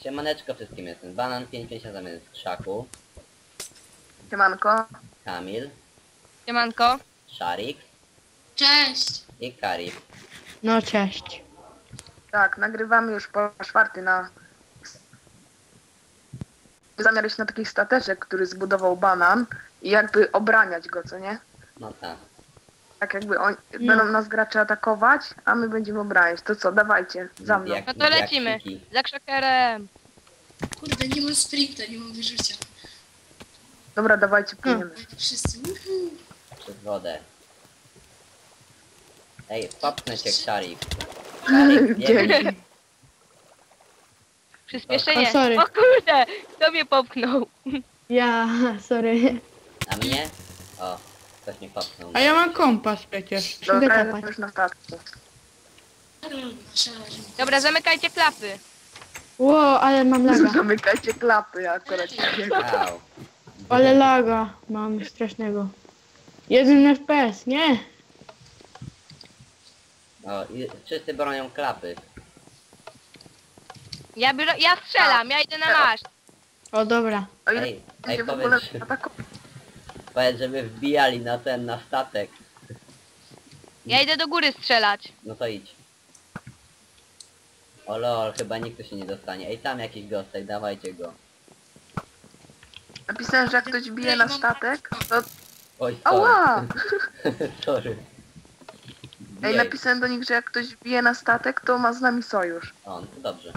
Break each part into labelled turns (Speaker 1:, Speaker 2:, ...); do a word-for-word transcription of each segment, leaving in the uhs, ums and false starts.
Speaker 1: Siemaneczko wszystkim, jestem Banan pięć pięć zamiast Krzaku,
Speaker 2: Siemanko.
Speaker 1: Kamil,
Speaker 3: Siemanko.
Speaker 1: Szarik
Speaker 4: Cześć!
Speaker 1: i Kari.
Speaker 5: No cześć.
Speaker 2: Tak, nagrywamy już po czwarty na... Zamiar iść na taki stateczek, który zbudował Banan i jakby obraniać go, co nie?
Speaker 1: No tak.
Speaker 2: Tak jakby oni
Speaker 5: No.
Speaker 2: będą nas gracze atakować, a my będziemy obraniać. To co, dawajcie, za mną.
Speaker 1: Jak-
Speaker 3: No to
Speaker 1: jak
Speaker 3: lecimy.
Speaker 1: siki.
Speaker 3: Za krzakerem.
Speaker 4: Kurde, nie mam sprinta, nie mam wyrzucia.
Speaker 2: Dobra, dawajcie, płyniemy.
Speaker 4: Ale to wszyscy, uhu.
Speaker 1: Przez wodę. Ej, popnę cię, Szarik. Szarik, biegnij.
Speaker 2: Dzięki.
Speaker 3: Przyspieszenie.
Speaker 5: O, sorry.
Speaker 3: O kurde, kto mnie popchnął?
Speaker 5: Ja, sorry.
Speaker 1: A mnie? O, ktoś mnie popchnął.
Speaker 6: A ja mam kompas przecież.
Speaker 2: Dobra,
Speaker 5: Idę
Speaker 2: jestem
Speaker 5: kopać.
Speaker 2: już na statku.
Speaker 3: Dobra, zamykajcie klapy.
Speaker 5: Ło, ale mam laga.
Speaker 2: Zamykajcie klapy, ja akurat nie
Speaker 1: Au.
Speaker 5: Ale laga mam strasznego. Jeden F P S, nie?
Speaker 1: O, i wszyscy bronią klapy.
Speaker 3: Ja, biorę, ja strzelam, ja idę na maszt.
Speaker 5: O dobra.
Speaker 2: O ile
Speaker 1: Ej, ej,
Speaker 2: będzie w ogóle
Speaker 1: powiedz,
Speaker 2: atakować.
Speaker 1: powiedz, żeby wbijali na ten, na statek.
Speaker 3: Ja idę do góry strzelać.
Speaker 1: No to idź. O lol, chyba nikt tu się nie dostanie. Ej, tam jakiś gostek, dawajcie go.
Speaker 2: Napisałem, że jak ktoś bije na statek, to...
Speaker 1: Oj, sorry.
Speaker 2: Ała!
Speaker 1: Sorry.
Speaker 2: Ej,
Speaker 1: Jej.
Speaker 2: napisałem do nich, że jak ktoś bije na statek, to ma z nami sojusz.
Speaker 1: O, no to dobrze.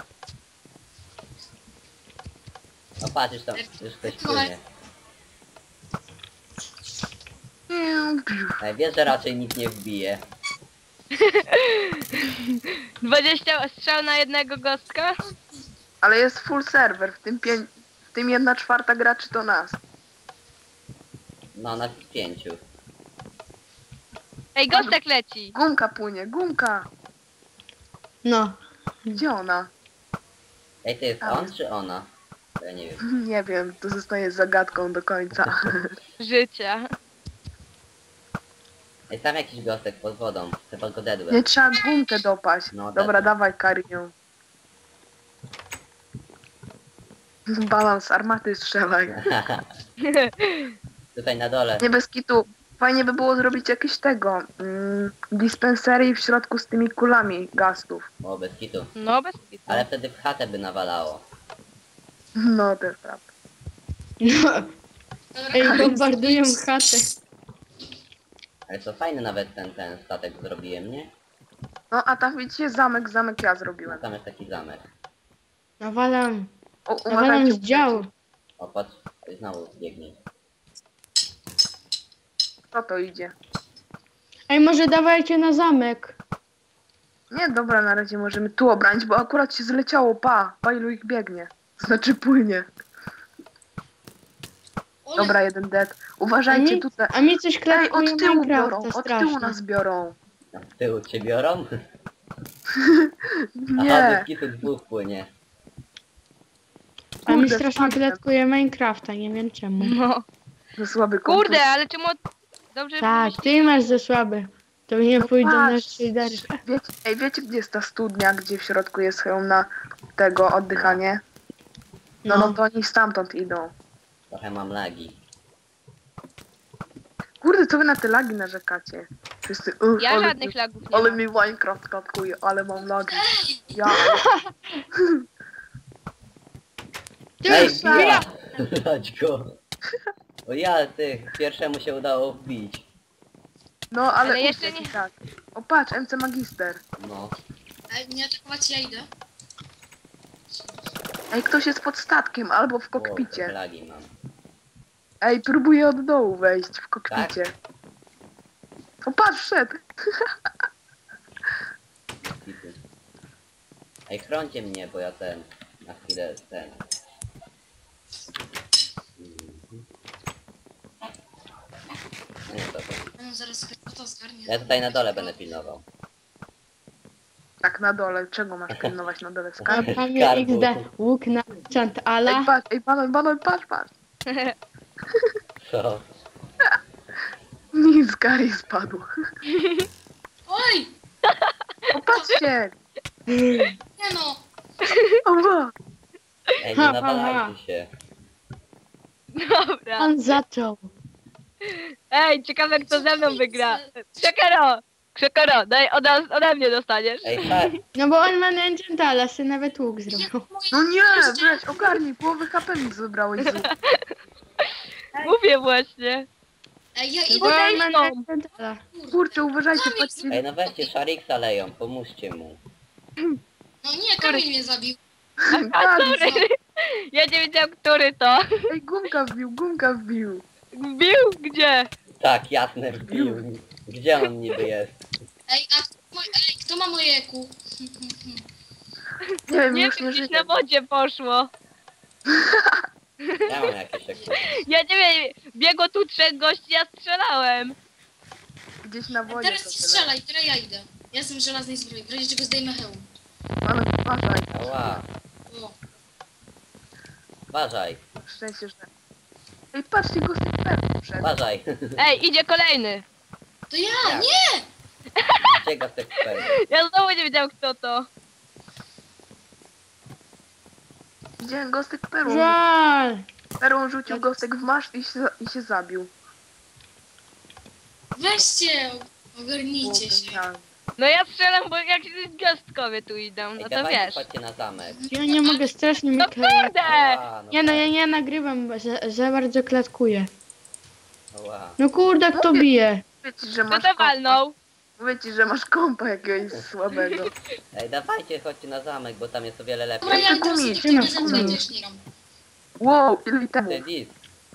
Speaker 1: No patrz, już tam, już ktoś płynie. Ej, wiesz, że raczej nikt nie wbije.
Speaker 3: dwadzieścia strzał na jednego gostka.
Speaker 2: Ale jest full serwer, w tym, pię... w tym jedna czwarta graczy to nas.
Speaker 1: No, na pięciu.
Speaker 3: Ej, gostek leci.
Speaker 2: Gumka płynie, gumka!
Speaker 5: No.
Speaker 2: Gdzie ona?
Speaker 1: Ej, to jest
Speaker 2: A.
Speaker 1: on czy ona? Bo ja nie wiem.
Speaker 2: Nie wiem, to zostaje zagadką do końca.
Speaker 3: Życia.
Speaker 1: Ej, tam jakiś gostek pod wodą. Chyba go dedłem.
Speaker 2: Nie trzeba gumkę dopaść.
Speaker 1: No,
Speaker 2: Dobra,
Speaker 1: dobra.
Speaker 2: dawaj Karię. Balans armaty strzelaj.
Speaker 1: Tutaj na dole.
Speaker 2: Nie bez kitu. Fajnie by było zrobić jakieś tego. Mm, dispensery w środku z tymi kulami gastów.
Speaker 1: O, bez kitu.
Speaker 3: No bez kitu.
Speaker 1: Ale wtedy w chatę by nawalało.
Speaker 2: No to jest prawda.
Speaker 5: No. Ej, bombardują chatę.
Speaker 1: Ale to fajny nawet ten, ten statek zrobiłem, nie?
Speaker 2: No a tam widzicie zamek, zamek ja
Speaker 1: No,
Speaker 2: zrobiłem.
Speaker 1: tam jest taki zamek.
Speaker 5: Nawalam.
Speaker 2: O,
Speaker 5: Nawalam
Speaker 2: uważajcie.
Speaker 5: z działu.
Speaker 1: O, patrz, znowu biegnie.
Speaker 2: Kto to idzie?
Speaker 5: Ej, może dawajcie na zamek.
Speaker 2: Nie, dobra, na razie możemy tu obrać, bo akurat się zleciało, pa, pa ilu ich biegnie. Znaczy płynie. Dobra, jeden dead.
Speaker 5: A
Speaker 2: Uważajcie
Speaker 5: mi,
Speaker 2: tutaj.
Speaker 5: a mi coś
Speaker 2: Ej,
Speaker 5: klatkuje
Speaker 2: od tyłu biorą,
Speaker 5: Minecrafta
Speaker 2: od tyłu
Speaker 5: strasznie.
Speaker 2: nas biorą.
Speaker 1: A w tyłu cię biorą? Aha,
Speaker 2: Nie,
Speaker 1: bez kitu dwóch płynie.
Speaker 5: A mi
Speaker 2: kurde,
Speaker 5: strasznie
Speaker 2: wpadłem.
Speaker 5: klatkuje Minecrafta, nie wiem czemu.
Speaker 3: No.
Speaker 2: to słaby komputer.
Speaker 3: Kurde, ale czemu... Dobrze,
Speaker 5: Tak,
Speaker 3: że
Speaker 5: ty masz za słaby. To nie
Speaker 2: No
Speaker 5: pójdą na
Speaker 2: patrz,
Speaker 5: shadery.
Speaker 2: Wiecie, ej, wiecie gdzie jest ta studnia, gdzie w środku jest hełm na tego oddychanie? No, no
Speaker 5: No.
Speaker 2: to oni stamtąd idą.
Speaker 1: Trochę mam lagi.
Speaker 2: Kurde, co wy na te lagi narzekacie? Wszyscy, uh,
Speaker 3: Ja
Speaker 2: ale,
Speaker 3: żadnych lagów nie
Speaker 2: ale
Speaker 3: mam.
Speaker 2: mi Minecraft katkuje, ale mam lagi. Ja,
Speaker 5: Ty,
Speaker 1: Ej,
Speaker 5: ja.
Speaker 1: bija! Chodź go. O ja, ty, pierwszemu się udało wbić.
Speaker 2: no ale,
Speaker 3: Ale jeszcze
Speaker 2: uciekł
Speaker 3: nie-
Speaker 2: i tak. O patrz, M C Magister.
Speaker 1: No.
Speaker 4: Ale nie atakować, ja idę.
Speaker 2: Ej, ktoś jest pod statkiem albo w
Speaker 1: O, trochę
Speaker 2: kokpicie.
Speaker 1: lagi mam.
Speaker 2: Ej, próbuję od dołu wejść w kokpicie. O patrz, wszedł.
Speaker 1: Kitu. Ej, chrońcie mnie, bo ja ten, na chwilę ten. Mhm. Nie, to, to.
Speaker 4: No zaraz to zgarnie.
Speaker 1: Ja tutaj na dole będę pilnował.
Speaker 2: Tak na dole, czego masz pilnować na dole
Speaker 5: A
Speaker 2: skarb?
Speaker 5: panie
Speaker 1: Skarbu.
Speaker 5: X D, łuk na chant
Speaker 2: Ej,
Speaker 5: ala.
Speaker 2: patrz, ej, banon, banon, patrz, patrz.
Speaker 1: Co?
Speaker 2: Nic, Gary spadł.
Speaker 4: Oj!
Speaker 2: O, patrzcie!
Speaker 4: Nie no!
Speaker 2: Oła!
Speaker 1: Ej, nie
Speaker 5: Ha, ha,
Speaker 1: nawalajcie się.
Speaker 3: Dobra.
Speaker 5: On zaczął.
Speaker 3: Ej, ciekawe kto ze mną wygra. Krzekero! Krzekero, daj ode, ode mnie dostaniesz.
Speaker 1: Ej, patrz,
Speaker 5: No bo on ma Enchantala, się nawet łuk zrobił.
Speaker 2: No nie, weź, ogarnij, połowę H P mi zabrałeś z łuku.
Speaker 3: Mówię właśnie.
Speaker 4: Ej, ja
Speaker 5: No
Speaker 4: idę
Speaker 5: bo on ma
Speaker 3: Podejdą.
Speaker 5: Enchantala.
Speaker 2: Kurczę, uważajcie,
Speaker 4: Kamil,
Speaker 2: patrzcie.
Speaker 1: ej, no weźcie Shariksa leją, pomóżcie mu.
Speaker 4: No nie, Kamil mnie zabił.
Speaker 3: A
Speaker 2: Tak,
Speaker 3: który? Ja nie wiedziałam, który to.
Speaker 2: Ej, gumka wbił, gumka wbił.
Speaker 3: Bił? Gdzie?
Speaker 1: Tak, jasne, wbił. Gdzie on niby jest?
Speaker 4: Ej, a kto, moj, ej, kto ma moje E Q?
Speaker 2: Nie wiem,
Speaker 3: Nie
Speaker 2: już
Speaker 3: wiem,
Speaker 2: nie
Speaker 3: gdzieś
Speaker 2: żyje.
Speaker 3: na wodzie poszło.
Speaker 1: Ja mam jakieś takie.
Speaker 3: Ja nie wiem, biegło tu trzech gości, ja strzelałem.
Speaker 2: Gdzieś na wodzie
Speaker 4: Teraz
Speaker 2: to
Speaker 4: ty
Speaker 2: tyle.
Speaker 4: strzelaj, teraz ja idę. Ja jestem w żelaznej zbroi, w razie czego zdejmę hełm.
Speaker 2: Ale uważaj,
Speaker 1: Ała,
Speaker 4: O,
Speaker 1: uważaj,
Speaker 2: szczęście, że... Ej, patrzcie, go z tych pewnych przed.
Speaker 1: uważaj.
Speaker 3: Ej, idzie kolejny.
Speaker 4: to ja,
Speaker 1: Ja.
Speaker 4: nie!
Speaker 1: Gdzie Gostek Perł?
Speaker 3: Ja znowu nie wiedział kto to.
Speaker 2: Widziałem gostek perłą.
Speaker 5: Żal.
Speaker 2: Perłą rzucił gostek w maszt i się, i się zabił.
Speaker 4: Weźcie,
Speaker 2: Było
Speaker 4: ogarnijcie się.
Speaker 2: genialne.
Speaker 3: No ja strzelam, bo jakieś gwiazdkowie tu idą, no
Speaker 1: Ej,
Speaker 3: to
Speaker 1: dawajcie,
Speaker 3: wiesz.
Speaker 1: chodźcie na zamek.
Speaker 5: Ja nie mogę, strasznie mi
Speaker 3: No
Speaker 5: kleje.
Speaker 3: kurde!
Speaker 1: Ała, no
Speaker 5: Nie no,
Speaker 1: tak.
Speaker 5: ja nie nagrywam, bo za, za bardzo klatkuję.
Speaker 1: Ała.
Speaker 5: No kurde, kto bije?
Speaker 2: Mówię ci, że
Speaker 3: Kto
Speaker 2: masz
Speaker 3: to
Speaker 2: kompa.
Speaker 3: walnął?
Speaker 2: Mówię ci, że masz kompa jakiegoś słabego.
Speaker 1: Ej, dawajcie, chodźcie na zamek, bo tam jest o wiele lepiej.
Speaker 4: Dobra, ja
Speaker 2: Gumić,
Speaker 4: teraz
Speaker 5: gumić,
Speaker 4: idę ze mną,
Speaker 5: gumić.
Speaker 4: też nie gram.
Speaker 2: Wow, ile temu?
Speaker 1: Ty, dis,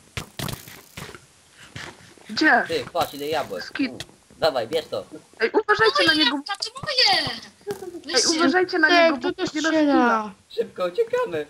Speaker 2: Gdzie?
Speaker 1: ty, chodź, ile jabłek.
Speaker 2: Skit.
Speaker 1: U, Dawaj, bierz to.
Speaker 2: Ej, uważajcie na
Speaker 4: Moje
Speaker 2: niego.
Speaker 4: jabłka, to moje!
Speaker 2: Ej,
Speaker 4: Weźcie.
Speaker 2: uważajcie na
Speaker 5: Ej,
Speaker 2: niego,
Speaker 5: kto
Speaker 2: bo
Speaker 5: to
Speaker 2: będzie na skilla.
Speaker 5: strzela?
Speaker 1: Szybko, uciekamy.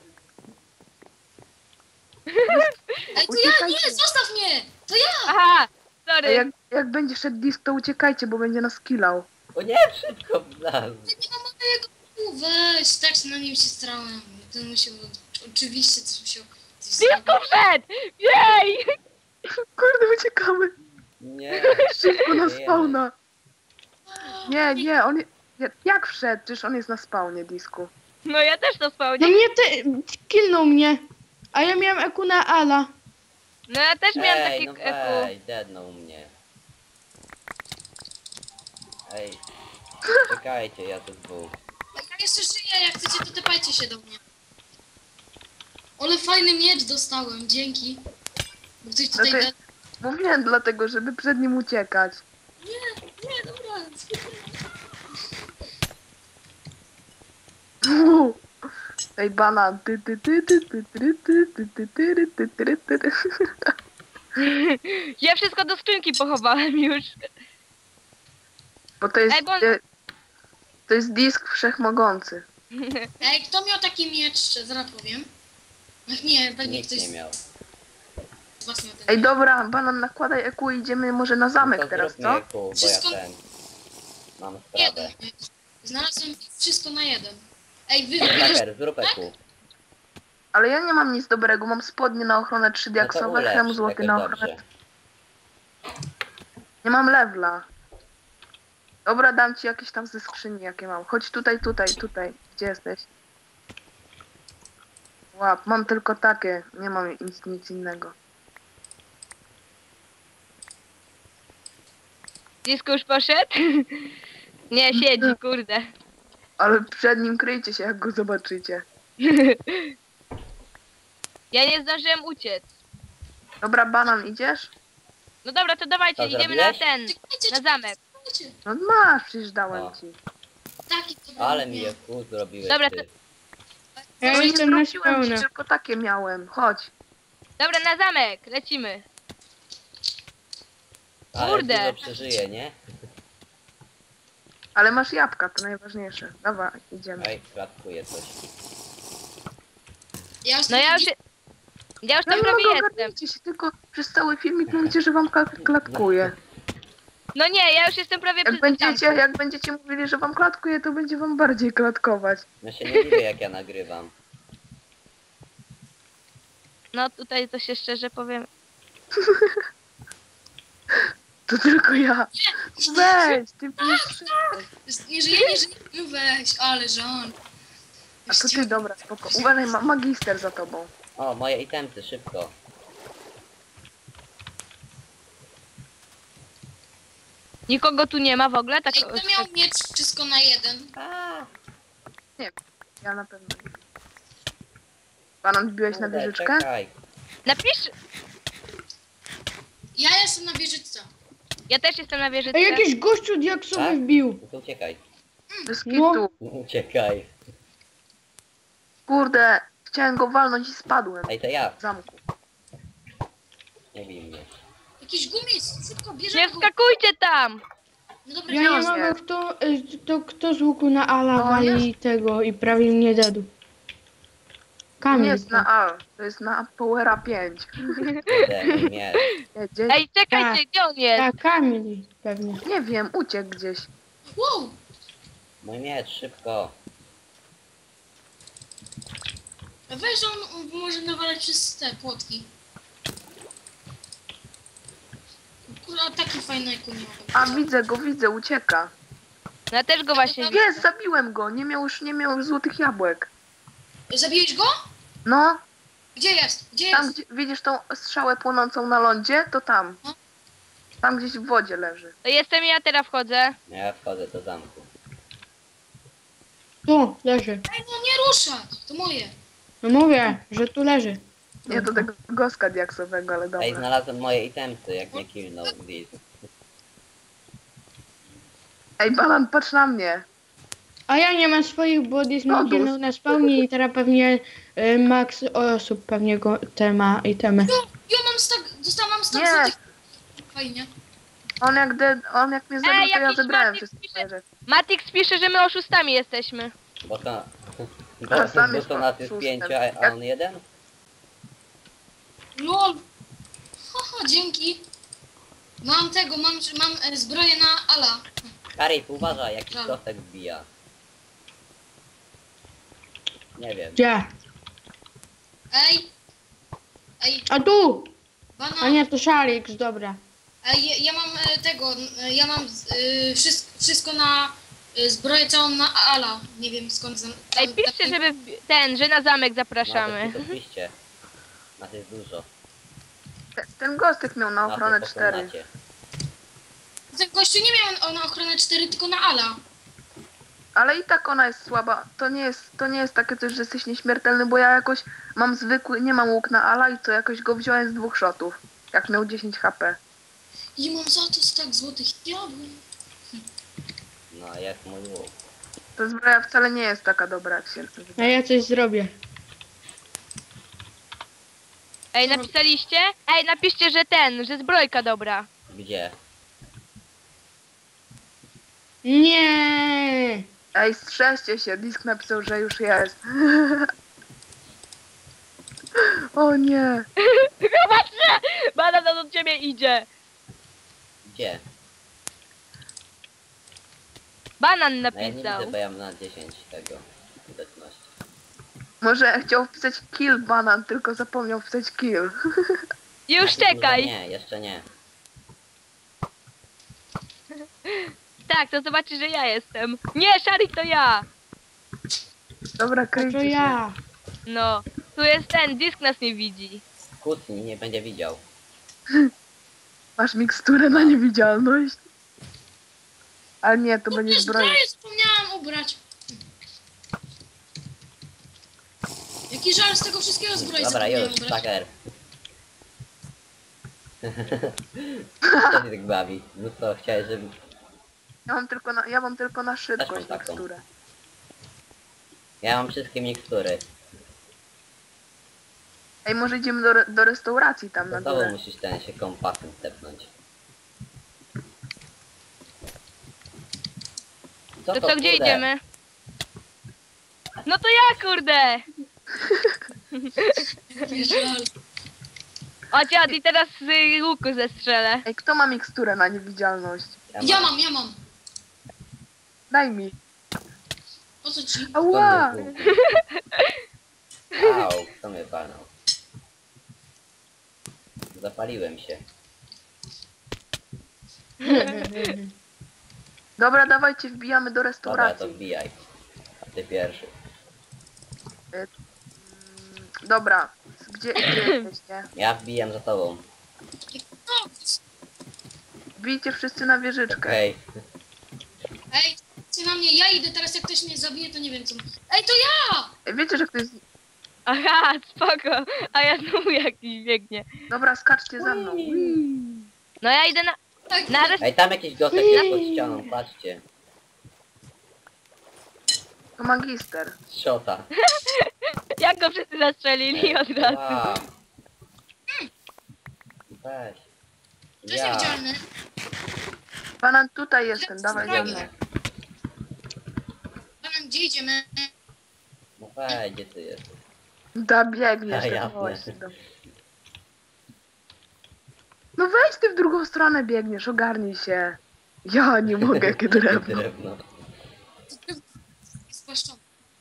Speaker 4: Ej, to ja, nie,
Speaker 2: Uciekajcie.
Speaker 4: zostaw mnie! To ja!
Speaker 3: Aha,
Speaker 2: Ej,
Speaker 3: sorry.
Speaker 2: jak, jak będzie szedł disk, to uciekajcie, bo będzie nas killał.
Speaker 1: O nie, szybko wlazł.
Speaker 4: Nie ma mojego Q, weź, tak się na nim się strałem. Ten musiał, oczywiście coś musiał... Coś
Speaker 3: Disco wszedł! Jej!
Speaker 2: Kurde, uciekamy.
Speaker 1: Nie.
Speaker 2: Szybko na
Speaker 1: Żyjemy.
Speaker 2: spawna. Nie, nie, on... je- Jak wszedł? Przecież on jest na spawnie disku.
Speaker 3: No ja też to
Speaker 5: No
Speaker 3: spełnię.
Speaker 5: mnie ty, killnął mnie. A ja miałem eku na Ala.
Speaker 3: No ja też miałam
Speaker 1: Ej,
Speaker 3: taki
Speaker 1: no
Speaker 3: eku.
Speaker 1: weź, deadnął mnie. Ej, czekajcie, ja tu dwóch.
Speaker 4: Ja jeszcze żyję, jak chcecie, to tepajcie się do mnie. Ale fajny miecz dostałem, dzięki. Bo ktoś tutaj...
Speaker 2: No to-
Speaker 4: da-
Speaker 2: Mówiłem dlatego, żeby przed nim uciekać.
Speaker 4: Nie, nie, dobra.
Speaker 2: Uuu. Ej, banan. Ty, ty, ty, ty, ty, ty, ty, ty, ty, ty, ty, ty, ty, ty.
Speaker 3: Ja wszystko do skrzynki pochowałem już.
Speaker 2: Bo to jest...
Speaker 3: Ej, bo-
Speaker 2: e, To jest disk wszechmogący.
Speaker 4: Ej, kto miał taki miecz? Zaraz powiem. Ach nie, pewnie
Speaker 1: Nikt
Speaker 4: ktoś
Speaker 1: nie miał.
Speaker 4: z was miał ten
Speaker 2: Ej,
Speaker 4: miecz.
Speaker 2: dobra, banan, nakładaj E Q i idziemy może na zamek
Speaker 1: No to
Speaker 2: teraz,
Speaker 1: zróbmy
Speaker 2: co?
Speaker 1: eku, bo ja
Speaker 4: Wszystko-
Speaker 1: ten... Mam
Speaker 4: Jeden
Speaker 1: sprawę.
Speaker 4: miecz. Znalazłem wszystko na jeden. Ej, wy, wy,
Speaker 1: Taker, zrób eku.
Speaker 2: Ale ja nie mam nic dobrego, mam spodnie na ochronę trzy
Speaker 1: No to
Speaker 2: diaksowe,
Speaker 1: ulepsz,
Speaker 2: chem złoty
Speaker 1: jakoś
Speaker 2: na ochronę.
Speaker 1: dobrze.
Speaker 2: Nie mam lewla. Dobra, dam ci jakieś tam ze skrzyni, jakie mam. Chodź tutaj, tutaj, tutaj. Gdzie jesteś? Łap, mam tylko takie, nie mam nic, nic innego.
Speaker 3: Disco już poszedł? Nie, siedzi, kurde.
Speaker 2: Ale przed nim kryjcie się, jak go zobaczycie.
Speaker 3: Ja nie zdążyłem uciec.
Speaker 2: Dobra, banan, idziesz?
Speaker 3: No dobra, to dawajcie,
Speaker 1: Co
Speaker 3: idziemy na
Speaker 1: zrobiłeś?
Speaker 3: ten,
Speaker 4: Czekajcie,
Speaker 3: na zamek.
Speaker 4: czekajcie.
Speaker 2: No masz, przecież dałem
Speaker 1: O.
Speaker 2: ci.
Speaker 4: Taki dobry
Speaker 1: Ale mi
Speaker 4: miał.
Speaker 1: eku zrobiłeś
Speaker 3: Dobra,
Speaker 1: ty.
Speaker 5: Ja
Speaker 2: No nie
Speaker 5: jestem na
Speaker 2: zwróciłem ci,
Speaker 5: spełna.
Speaker 2: tylko takie miałem. Chodź.
Speaker 3: Dobra, na zamek, lecimy.
Speaker 1: Ale
Speaker 3: Kurde.
Speaker 1: dużo przeżyje, nie?
Speaker 2: Ale masz jabłka, to najważniejsze. Dobra, idziemy.
Speaker 1: Ej, klatkuje coś.
Speaker 4: Ja już
Speaker 3: No ja już... Ja już
Speaker 2: Ja
Speaker 3: tam
Speaker 2: nie
Speaker 3: prawie
Speaker 2: mogę,
Speaker 3: jestem.
Speaker 2: ogarnijcie się, tylko przez cały filmik mówicie, że wam klat- klatkuje.
Speaker 3: No nie, ja już jestem prawie
Speaker 2: Jak
Speaker 3: przy
Speaker 2: będziecie, jak będziecie mówili, że wam klatkuje, to będzie wam bardziej klatkować.
Speaker 1: Ja się nie dziwię, jak ja nagrywam.
Speaker 3: No tutaj to się szczerze powiem.
Speaker 2: To tylko ja. Weź, ty pisz.
Speaker 4: Nie żyje, nie żyje. No weź, ale żon.
Speaker 2: A to ty, dobra, spoko. Uważaj, ma magister za tobą.
Speaker 1: O, moje itemty, szybko.
Speaker 3: Nikogo tu nie ma w ogóle? Tak,
Speaker 4: Ej, kto miał miecz wszystko na jeden?
Speaker 1: A,
Speaker 2: Ja na pewno. Banan, wbiłeś na
Speaker 1: kurde,
Speaker 2: wieżyczkę?
Speaker 1: czekaj.
Speaker 3: napisz...
Speaker 4: Ja jestem na wieżyczce.
Speaker 3: Ja też jestem na wieżyczce.
Speaker 5: Ej, jakiś gościu diaksowy
Speaker 1: Tak?
Speaker 5: wbił.
Speaker 1: No to uciekaj.
Speaker 2: Bez
Speaker 5: No.
Speaker 2: kitu.
Speaker 1: Uciekaj.
Speaker 2: Kurde, chciałem go walnąć i spadłem
Speaker 1: Ej, to ja.
Speaker 2: w zamku.
Speaker 1: Nie bij mnie.
Speaker 4: Jakiś gumis, szybko,
Speaker 3: Nie
Speaker 4: bierzemy go.
Speaker 3: wskakujcie tam!
Speaker 4: No dobra,
Speaker 5: Ja nie
Speaker 2: Wziął
Speaker 5: mogę,
Speaker 2: się.
Speaker 5: kto, y, to kto z łuku na ala
Speaker 2: No,
Speaker 5: wali tego i prawie mnie dedł.
Speaker 2: To nie
Speaker 5: Kamil.
Speaker 2: jest na A, to jest na Powera pięć.
Speaker 1: Kurde, mój miecz.
Speaker 2: Jedzie.
Speaker 3: Ej, czekajcie,
Speaker 5: Tak.
Speaker 3: gdzie on jest?
Speaker 5: Tak, Kamil pewnie.
Speaker 2: Nie wiem, uciekł gdzieś.
Speaker 4: wow.
Speaker 1: Mój miecz, szybko.
Speaker 4: Weź, on może nawalać przez te płotki. Kurwa, taki fajny nie ma.
Speaker 2: A widzę go, widzę, ucieka.
Speaker 3: No ja też go właśnie widzę.
Speaker 2: Jest, zabiłem go, nie miał już, nie miał już złotych jabłek.
Speaker 4: Zabiłeś go?
Speaker 2: No,
Speaker 4: Gdzie jest? Gdzie
Speaker 2: tam
Speaker 4: jest?
Speaker 2: gdzie, widzisz tą strzałę płonącą na lądzie, to tam.
Speaker 4: No.
Speaker 2: Tam gdzieś w wodzie leży.
Speaker 3: To jestem ja, teraz wchodzę.
Speaker 1: Ja wchodzę do zamku.
Speaker 5: Tu leży.
Speaker 4: Ej, no nie ruszać! To moje.
Speaker 5: No mówię, że tu leży.
Speaker 2: Nie do tego goska diaksowego, ale
Speaker 1: Ej,
Speaker 2: dobra.
Speaker 1: znalazłem moje itemty, jak mnie killnął Diz.
Speaker 2: Ej, Banan, patrz na mnie.
Speaker 5: A ja nie mam swoich, bo jest
Speaker 2: No,
Speaker 5: mi kilnął na spawnie i teraz pewnie y, max osób pewnie go te ma itemy.
Speaker 4: No, ja mam stak, dostałam stak
Speaker 2: Nie.
Speaker 4: złotych. Fajnie.
Speaker 2: On jak, de, on jak mnie zabił,
Speaker 3: Ej,
Speaker 2: to ja
Speaker 3: jakiś
Speaker 2: zebrałem
Speaker 3: Maciek
Speaker 2: wszystkie
Speaker 3: pisze-
Speaker 2: moje rzeczy.
Speaker 3: Matix pisze, że my oszustami jesteśmy.
Speaker 1: Bo to...
Speaker 2: A, sam
Speaker 1: Bo,
Speaker 2: jest
Speaker 1: bo to nas jest
Speaker 2: szóstem.
Speaker 1: pięciu, a- a on jeden?
Speaker 4: Lol. Haha, dzięki. Mam tego, mam, mam e, zbroję na ala.
Speaker 1: Karit, uważaj, jakiś
Speaker 4: Dobra.
Speaker 1: kostek wbija. Nie wiem.
Speaker 5: Gdzie?
Speaker 4: Ej. Ej,
Speaker 5: A tu!
Speaker 4: bana.
Speaker 5: A nie, to Szarix, dobra.
Speaker 4: Ej, ja, ja mam e, tego, e, ja mam e, wszystko, wszystko na e, zbroję całą na ala. Nie wiem skąd. Za,
Speaker 3: Ej, piszcie, żeby wbi- ten, że na zamek zapraszamy.
Speaker 1: No, to piszcie. Nas jest dużo.
Speaker 2: Te- Ten gostek miał na
Speaker 1: Na
Speaker 2: ochronę
Speaker 1: tym
Speaker 2: cztery.
Speaker 1: pokonacie.
Speaker 4: Ten gościu nie miał na ochronę cztery, tylko na ala.
Speaker 2: Ale i tak ona jest słaba. To nie jest, to nie jest takie coś, że jesteś nieśmiertelny, bo ja jakoś mam zwykły, nie mam łuk na ala i co, jakoś go wziąłem z dwóch shotów. Jak miał dziesięć H P.
Speaker 4: I mam za to stak złotych jabłek.
Speaker 1: No, jak mój łuk.
Speaker 2: Ta zbroja wcale nie jest taka dobra, jak się
Speaker 5: A ja coś zrobię.
Speaker 3: Ej, napisaliście? Ej, napiszcie, że ten, że zbrojka dobra.
Speaker 1: Gdzie?
Speaker 5: Nie.
Speaker 2: Ej, strzeżcie się, Disk napisał, że już jest. O nie.
Speaker 3: Zobaczcie! Banan od ciebie idzie.
Speaker 1: Gdzie?
Speaker 3: Banan
Speaker 1: No ja nie
Speaker 3: napisał.
Speaker 1: widzę, bo ja mam na dziesięć tego. Widoczności.
Speaker 2: Może chciał wpisać kill banan, tylko zapomniał wpisać kill.
Speaker 3: Już
Speaker 1: Znaczy,
Speaker 3: czekaj.
Speaker 1: Nie, jeszcze nie.
Speaker 3: Tak, to zobaczysz, że ja jestem. Nie, Szarik to ja.
Speaker 2: Dobra,
Speaker 5: A
Speaker 2: kryjcie
Speaker 5: to
Speaker 2: się.
Speaker 5: ja.
Speaker 3: No, tu jest ten, Disk nas nie widzi.
Speaker 1: Kłótni nie będzie widział.
Speaker 2: Masz miksturę na niewidzialność. Ale nie, to będzie
Speaker 4: Kurde,
Speaker 2: zbroja.
Speaker 4: zbroję zapomniałam ubrać. Jaki żal z tego wszystkiego zbroi
Speaker 1: Dobra,
Speaker 4: zapomniałam
Speaker 1: już,
Speaker 4: ubrać.
Speaker 1: Tucker. Co się tak bawi? No co, chciałeś, żeby...
Speaker 2: Ja mam tylko na, ja mam tylko na
Speaker 1: Też
Speaker 2: szybkość
Speaker 1: mam taką.
Speaker 2: miksturę.
Speaker 1: Ja mam wszystkie mikstury.
Speaker 2: Ej, może idziemy do, re- do restauracji tam na
Speaker 1: To znowu
Speaker 2: górę.
Speaker 1: musisz ten się kompasem stepnąć. Co
Speaker 3: To co, gdzie
Speaker 1: kurde?
Speaker 3: idziemy? No to ja, kurde.
Speaker 4: Jaki żal.
Speaker 3: O dziad, i teraz z y, łuku zestrzelę.
Speaker 2: Ej, kto ma miksturę na niewidzialność?
Speaker 4: Ja mam, ja mam.
Speaker 2: Daj mi.
Speaker 4: O co ci?
Speaker 2: Ała!
Speaker 1: Skąd jest łuk? Au, kto mnie palnął? Zapaliłem się.
Speaker 2: Dobra, dawajcie, wbijamy do
Speaker 1: Dobra, to
Speaker 2: restauracji.
Speaker 1: wbijaj. A ty pierwszy.
Speaker 2: Dobra, gdzie, gdzie jesteście?
Speaker 1: Ja wbijam za tobą.
Speaker 4: No,
Speaker 2: Bijcie wszyscy na wieżyczkę.
Speaker 1: Okej.
Speaker 4: ej, ty na mnie, ja idę teraz, jak ktoś mnie zabije, to nie wiem co. Ej, to ja!
Speaker 2: Wiecie, że ktoś...
Speaker 3: Aha, spoko. A ja znowu jakiś biegnie.
Speaker 2: Dobra, skaczcie za mną.
Speaker 3: No ja idę na...
Speaker 4: Tak,
Speaker 3: na resztę.
Speaker 1: Ej, tam jakiś gosek jest pod ścianą, patrzcie.
Speaker 2: To magister.
Speaker 1: Szota.
Speaker 3: Jak go wszyscy zastrzelili od razu.
Speaker 1: Wow. Weź.
Speaker 4: to jest
Speaker 1: Ja.
Speaker 4: niewidzialny.
Speaker 2: Banan, tutaj jestem, dawaj za mną.
Speaker 4: Banan, gdzie idziemy?
Speaker 1: No weź, gdzie ty jesteś?
Speaker 2: Da, biegniesz.
Speaker 1: A,
Speaker 2: tak
Speaker 1: jasne.
Speaker 2: właśnie, do- No weź ty w drugą stronę biegniesz, ogarnij się. Ja nie mogę, jakie drewno.
Speaker 1: Drewno.
Speaker 4: To jest spłaszczony.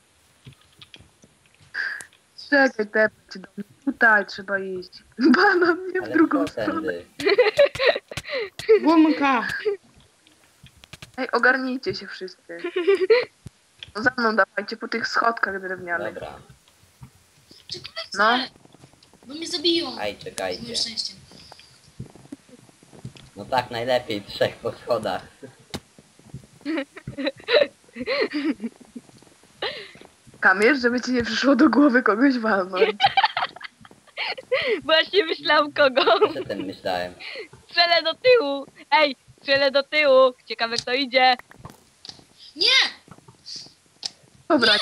Speaker 2: Czekaj, tepać do mnie. Tutaj trzeba iść. Banan, nie w
Speaker 1: Ale
Speaker 2: drugą
Speaker 1: co
Speaker 2: stronę.
Speaker 1: tędy?
Speaker 5: Gumka.
Speaker 2: Ej, ogarnijcie się wszyscy. No za mną dawajcie po tych schodkach drewnianych.
Speaker 1: Dobra.
Speaker 4: Czekajcie!
Speaker 2: No.
Speaker 4: Bo mnie zabiją.
Speaker 1: Aj,
Speaker 4: Z moim
Speaker 1: czekajcie.
Speaker 4: szczęściem.
Speaker 1: No tak, najlepiej trzech po schodach.
Speaker 2: Kamierz, żeby ci nie przyszło do głowy kogoś walnąć.
Speaker 3: Właśnie myślałam kogo.
Speaker 1: Co tym myślałem?
Speaker 3: Strzelę do tyłu. Ej, strzelę do tyłu. Ciekawe kto idzie.
Speaker 4: Nie!
Speaker 2: Dobra,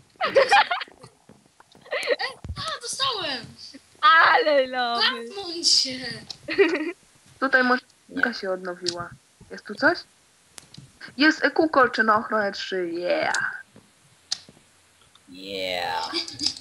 Speaker 4: A, dostałem!
Speaker 3: Ale nowy.
Speaker 4: Zamknąć się!
Speaker 2: tutaj może
Speaker 1: Nie.
Speaker 2: Jaka się odnowiła. Jest tu coś? Jest E Q kolcze na ochronę trzy. Yeah.
Speaker 1: Yeah.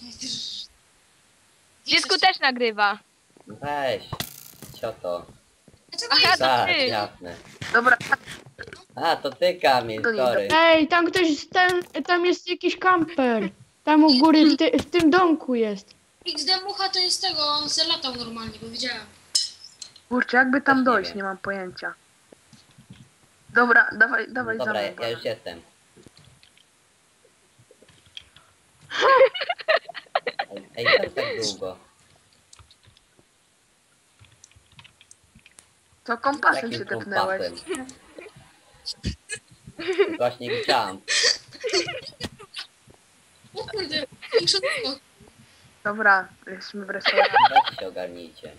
Speaker 3: Dziecku też nagrywa.
Speaker 1: No weź. Co to?
Speaker 4: Dlaczego
Speaker 3: Aha,
Speaker 4: jest?
Speaker 3: to
Speaker 1: Tak,
Speaker 3: ty.
Speaker 1: jasne.
Speaker 2: Dobra,
Speaker 1: A, to ty, Kamil,
Speaker 2: To nie
Speaker 1: sorry.
Speaker 5: Ej, tam ktoś, tam, tam jest jakiś kamper. Tam u góry w, ty, w tym domku jest.
Speaker 4: X D Mucha to jest tego, on se latał normalnie, bo widziałem.
Speaker 2: kurczę, jakby tam
Speaker 1: Też nie
Speaker 2: dojść,
Speaker 1: wiem.
Speaker 2: nie mam pojęcia. Dobra, dawaj,
Speaker 1: No
Speaker 2: dawaj za
Speaker 1: dobra,
Speaker 2: mną.
Speaker 1: ja, ja już jestem. Ej, ej, co tak długo?
Speaker 2: Co kompasem
Speaker 1: Jakim
Speaker 2: się tepnęłeś?
Speaker 1: kompasem? Właśnie nie widziałam.
Speaker 4: O kurde, większe było.
Speaker 2: Dobra, jesteśmy w restauracji.
Speaker 1: Weźcie się ogarnijcie.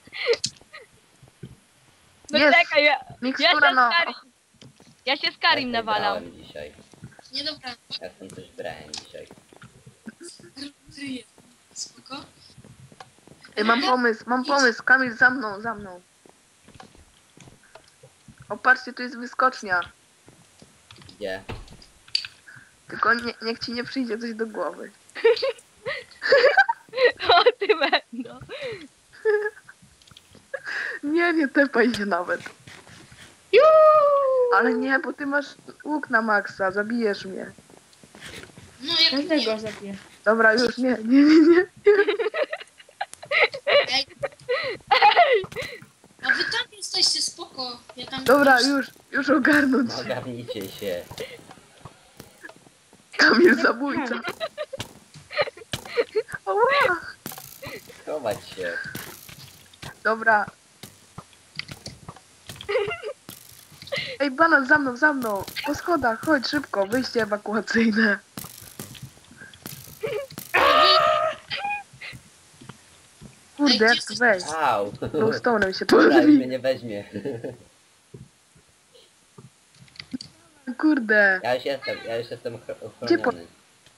Speaker 3: No
Speaker 2: Jest.
Speaker 3: czekaj, ja, ja
Speaker 2: Mikstura
Speaker 3: się
Speaker 2: no.
Speaker 3: z Karim, ja się z Karim
Speaker 1: Ja tutaj
Speaker 3: nawalam.
Speaker 1: brałem dzisiaj.
Speaker 4: Nie dobra,
Speaker 1: Ja stąd też brałem dzisiaj.
Speaker 4: kryję. Spoko.
Speaker 2: Ej, mam pomysł, mam pomysł. Kamil, za mną, za mną. O, patrzcie, tu jest wyskocznia.
Speaker 1: Gdzie?
Speaker 2: Tylko nie, niech ci nie przyjdzie coś do głowy.
Speaker 3: O ty będą.
Speaker 2: Nie, nie tepaj się nawet. Ale nie, bo ty masz łuk na maksa, zabijesz mnie.
Speaker 4: No jak
Speaker 5: Każdego
Speaker 4: nie.
Speaker 5: zabiję.
Speaker 2: Dobra, już nie, nie, nie, nie.
Speaker 4: Ej. A wy tam jesteście, spoko. Ja tam
Speaker 2: Dobra, już, już ogarnąć.
Speaker 1: No ogarnijcie się.
Speaker 2: Kamil zabójca. Ała.
Speaker 1: Chować się.
Speaker 2: Dobra. Ej, banan, za mną, za mną. Po schodach, chodź szybko, wyjście ewakuacyjne. Kurde, jak tu wejść?
Speaker 1: Au.
Speaker 2: Glowstone'em się
Speaker 1: Dobra, już mnie
Speaker 2: pozwij.
Speaker 1: nie weźmie.
Speaker 2: Kurde.
Speaker 1: Ja już jestem, ja już jestem ochro-
Speaker 2: Gdzie po-
Speaker 1: ochroniony.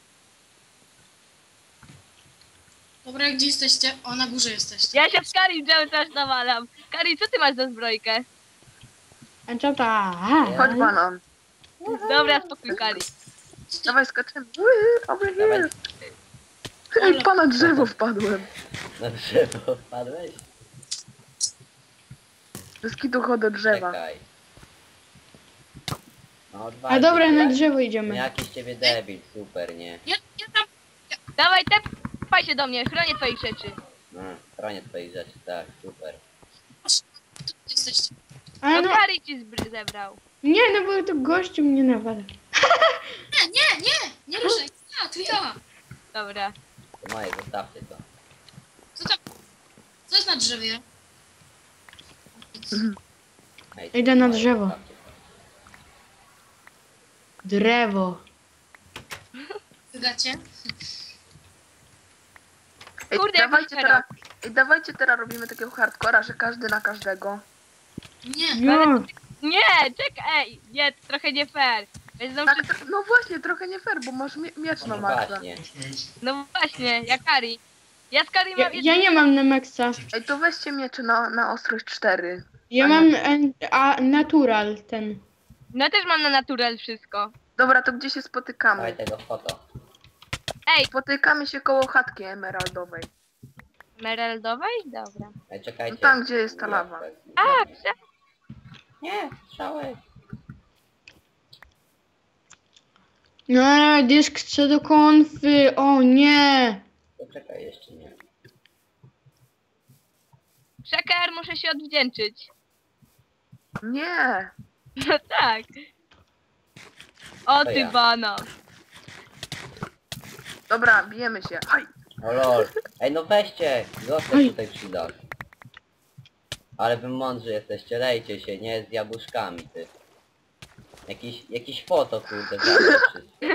Speaker 4: Dobra, gdzie jesteście? O, na górze jesteście.
Speaker 3: Ja się z Karim cały czas nawalam. Karim, co ty masz za zbrojkę?
Speaker 5: Enchanta.
Speaker 2: Chodź, banan.
Speaker 3: Dobra, spokój Karim.
Speaker 2: Dawaj, skaczemy. Ui, over
Speaker 1: Dawaj.
Speaker 2: here. Ej, pana drzewo wpadłem.
Speaker 1: Na drzewo wpadłeś?
Speaker 2: Wszystkie tu chodzą do drzewa.
Speaker 1: Czekaj. No,
Speaker 5: A
Speaker 1: odwalcie
Speaker 5: dobra,
Speaker 1: się.
Speaker 5: na drzewo
Speaker 1: No
Speaker 5: idziemy.
Speaker 1: jakiś ciebie debil, super, nie?
Speaker 4: Ja, ja tam...
Speaker 3: Dawaj, tepaj się do mnie, chronię twoich rzeczy.
Speaker 1: No, chronię twoich rzeczy, tak, super.
Speaker 4: Tu jesteście.
Speaker 5: Ale
Speaker 3: No
Speaker 5: no,
Speaker 3: Karim ci zbr- zebrał.
Speaker 5: nie, no bo to gościu mnie nawala.
Speaker 4: Nie, nie, nie! Nie ruszaj. Ja, to ja.
Speaker 3: Dobra.
Speaker 1: To moje, zostawcie to.
Speaker 4: Co tam? Co jest na drzewie?
Speaker 1: Ej, to
Speaker 5: Idę na
Speaker 1: moje,
Speaker 5: drzewo.
Speaker 1: zostawcie to.
Speaker 5: Drewo.
Speaker 4: Wygacie?
Speaker 2: Ej,
Speaker 3: Kurde, jak
Speaker 2: dawajcie
Speaker 3: teraz.
Speaker 2: teraz, ej, dawajcie teraz robimy takiego hardcora, że każdy na każdego.
Speaker 4: Nie.
Speaker 5: No,
Speaker 3: Nie, czekaj, ej, nie, to trochę nie fair. Będą
Speaker 2: Tak,
Speaker 3: wszyscy...
Speaker 2: tr- no właśnie, trochę nie fair, bo masz mie miecz na
Speaker 1: No
Speaker 2: Maxa.
Speaker 1: właśnie.
Speaker 3: No właśnie, ja Kari. Ja z Kari
Speaker 5: ja,
Speaker 3: mam...
Speaker 5: ja nie mam na maksa.
Speaker 2: Ej, to weźcie miecze na, na ostrość cztery.
Speaker 5: Ja
Speaker 2: A
Speaker 5: mam
Speaker 2: nie.
Speaker 5: en- a, natural ten.
Speaker 3: No ja też mam na natural wszystko.
Speaker 2: Dobra, to gdzie się
Speaker 1: Dawaj
Speaker 2: spotykamy?
Speaker 1: tego foto.
Speaker 3: Ej,
Speaker 2: Spotykamy się koło chatki emeraldowej.
Speaker 3: emeraldowej? Dobra.
Speaker 1: Ej, czekajcie.
Speaker 2: No tam, gdzie jest ta lawa.
Speaker 3: A, prze...
Speaker 1: Nie, strzały.
Speaker 5: No, dysk co do konfy. O nie.
Speaker 1: To czekaj, jeszcze nie.
Speaker 3: Przeker, muszę się odwdzięczyć.
Speaker 2: Nie!
Speaker 3: No tak. O
Speaker 1: To
Speaker 3: ty
Speaker 1: ja.
Speaker 3: bana.
Speaker 2: Dobra, bijemy się. Haj!
Speaker 1: O lol. Ej, no weźcie. Zostań
Speaker 5: Oj.
Speaker 1: tutaj przy dach. Ale wy mądrzy jesteście, lejcie się, nie z jabłuszkami, ty. Jakiś, jakiś foto, kurde, zabrał wszystko.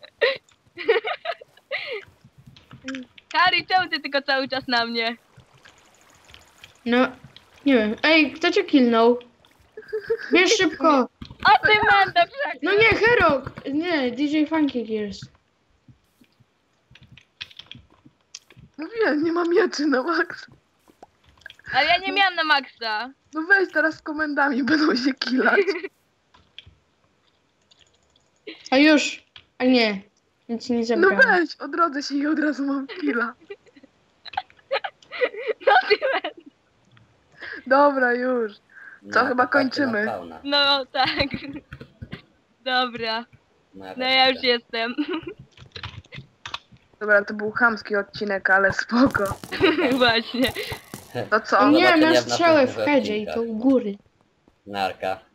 Speaker 3: Kari, czemu ty tylko cały czas na mnie?
Speaker 5: No, nie wiem. Ej, kto cię killnął? Bierz szybko.
Speaker 3: O ty mendo, Przeker.
Speaker 5: No nie, Herok. Nie, D J Funky Gears.
Speaker 2: Mówiłem, nie mam mieczy na Max.
Speaker 3: Ale ja nie miałam na maksa.
Speaker 2: No weź teraz z komendami, będą się killać.
Speaker 5: A już. A nie. Nic nie
Speaker 2: No
Speaker 5: zabrałem.
Speaker 2: weź, odrodzę się i od razu mam killa.
Speaker 3: No ty mendo.
Speaker 2: Dobra, już. Co,
Speaker 1: No,
Speaker 2: chyba
Speaker 1: to patrzcie na
Speaker 2: kończymy.
Speaker 1: fauna.
Speaker 3: No tak. Dobra.
Speaker 1: No, ja
Speaker 3: No
Speaker 1: też
Speaker 3: ja już
Speaker 1: chcę.
Speaker 3: jestem.
Speaker 2: Dobra, to był chamski odcinek, ale spoko.
Speaker 3: Właśnie.
Speaker 2: To co?
Speaker 5: O nie,
Speaker 1: zobaczenia
Speaker 5: masz
Speaker 1: w
Speaker 5: strzałę w
Speaker 1: następnych
Speaker 5: headzie i to u góry.
Speaker 1: Narka.